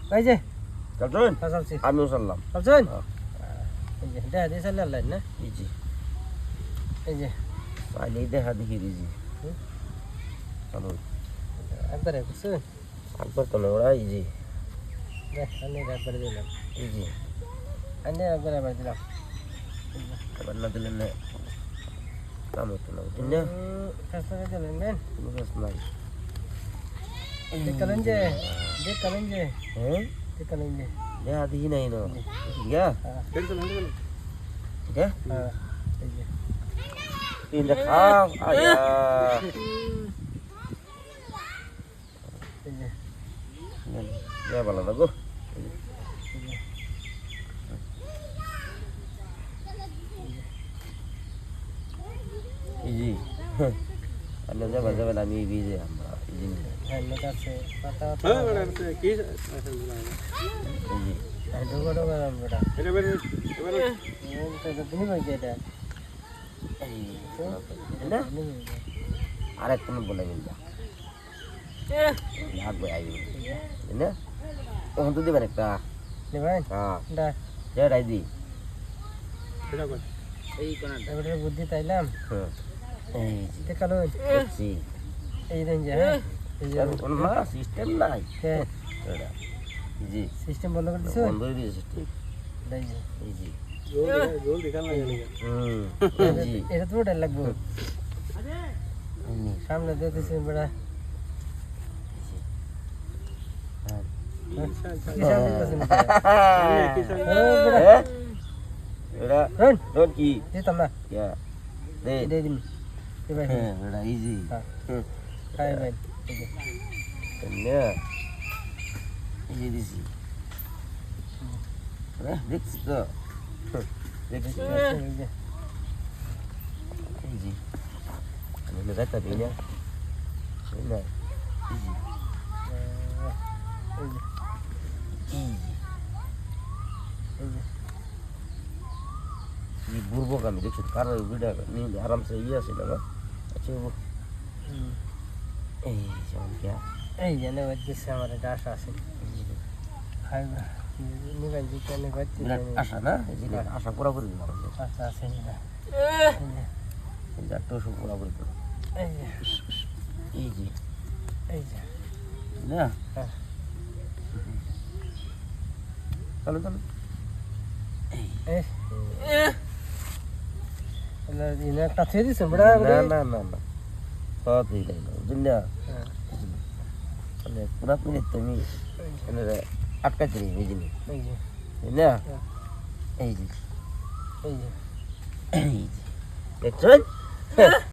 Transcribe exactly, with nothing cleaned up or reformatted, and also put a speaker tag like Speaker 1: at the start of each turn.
Speaker 1: এই যে
Speaker 2: চলছেন
Speaker 1: চলছি
Speaker 2: আমিও চললাম
Speaker 1: চলছেন
Speaker 2: হ্যাঁ।
Speaker 1: এই যে দেখা দিয়ে চালিয়ে আনলেন না
Speaker 2: এই যে
Speaker 1: এই যে
Speaker 2: চাইলেই দেখা দেখি দিছি
Speaker 1: হুম।
Speaker 2: চলুন
Speaker 1: একবারে বুঝছেন
Speaker 2: একবার তো না ওরা এই যে
Speaker 1: দেখ আমি একবারে দিলাম
Speaker 2: এই যে
Speaker 1: আমি একবারে একবার দিলাম
Speaker 2: আবার না দিলেন না কাম হতো না বুঝলেন না
Speaker 1: কাজটা দিলেন নেন
Speaker 2: কোনো কাজ নাই
Speaker 1: দেখলেন যে দেখলেন যে
Speaker 2: হ্যাঁ
Speaker 1: দেখলেন যে
Speaker 2: দেখা দেখি নাই না ঠিক আছে
Speaker 1: হ্যাঁ
Speaker 2: ঠিক আছে
Speaker 1: হ্যাঁ এই যে
Speaker 2: তিন খাও আয়া
Speaker 1: এই যে
Speaker 2: ya ভালো লাগো ইজি আল্লাহ যাবা যাবা আমি বিজে আমরা ইজি
Speaker 1: হেলমেট আছে পাতা
Speaker 3: হ্যাঁ বড় আছে কি আছে
Speaker 2: ইজি
Speaker 1: এই ঢোকা ঢোকা বেটা
Speaker 3: এটা বের এবারে
Speaker 1: এটা তুমি কইতে এটা
Speaker 2: না আর এক কোনো বলে গেল লাগবে আই না ওখান তো দিবেন একটা
Speaker 1: নেবেন
Speaker 2: হ্যাঁ
Speaker 1: দা
Speaker 2: যে রাইদি
Speaker 3: এটা কর
Speaker 1: এই কোনাটা এবারে বুদ্ধি তাইলাম
Speaker 2: হ্যাঁ এই জি
Speaker 1: দেখালো
Speaker 2: জি
Speaker 1: এই দেন যে হ্যাঁ এই যে
Speaker 2: কোন না সিস্টেম নাই
Speaker 1: হ্যাঁ
Speaker 2: এটা জি
Speaker 1: সিস্টেম বন্ধ করে দিছো
Speaker 2: বন্ধ হয়ে দিয়েছে ঠিক
Speaker 1: দেই যে
Speaker 2: এই জি
Speaker 3: জোর জোর দেখান লাগে
Speaker 2: হুম জি
Speaker 1: এটা তো ডাল লাগবে
Speaker 2: এমনি
Speaker 1: সামনে দিতেছি বেটা
Speaker 2: হ্যাঁ
Speaker 1: কি সামনে দিতেছেন
Speaker 2: হ্যাঁ এটা
Speaker 1: হ্যাঁ
Speaker 2: ডোন্ট কি
Speaker 1: দিতাম না
Speaker 2: ইয়া দে
Speaker 1: দে দিন এই ভাই
Speaker 2: হ্যাঁ এটা ইজি
Speaker 1: হ্যাঁ
Speaker 2: হুম
Speaker 1: খাই ভাই এই যে
Speaker 2: না ইজি দিছি হ্যাঁ দেখছি তো দেখছি
Speaker 1: এই যে
Speaker 2: ইজি আমি না যাইতা দিই না না ইজি
Speaker 1: এই যে
Speaker 2: ইজি
Speaker 1: এই যে
Speaker 2: ಈ ಬುರ್ಬೋಗಾಮಿ देखছো कार ভিডিও নি आराम से ये আছে না আচ্ছা ও
Speaker 1: হুম
Speaker 2: এই যেমন কি
Speaker 1: এই জানে বাজছে আমার ডাস আছে খাই নিবেন যে কেন বাজছে
Speaker 2: বিরাট আশা না এই যে আশা পুরা করে দিলাম
Speaker 1: আচ্ছা আছে না
Speaker 2: এই যে তো সব পুরা করে দিলাম
Speaker 1: এই যে
Speaker 2: এই যে
Speaker 1: এই যে
Speaker 2: না
Speaker 1: হ্যাঁ
Speaker 2: চলো চলো
Speaker 1: এই না ইনা কাছে দিছেন বড়
Speaker 2: না না না না সব এই লাইন বুঝলা
Speaker 1: হ্যাঁ
Speaker 2: মানে পুরা মিনিট তুমি এনে আটকা দিই এই জিনিস
Speaker 1: এই যে
Speaker 2: না এই যে
Speaker 1: এই যে
Speaker 2: এই যে দেখছো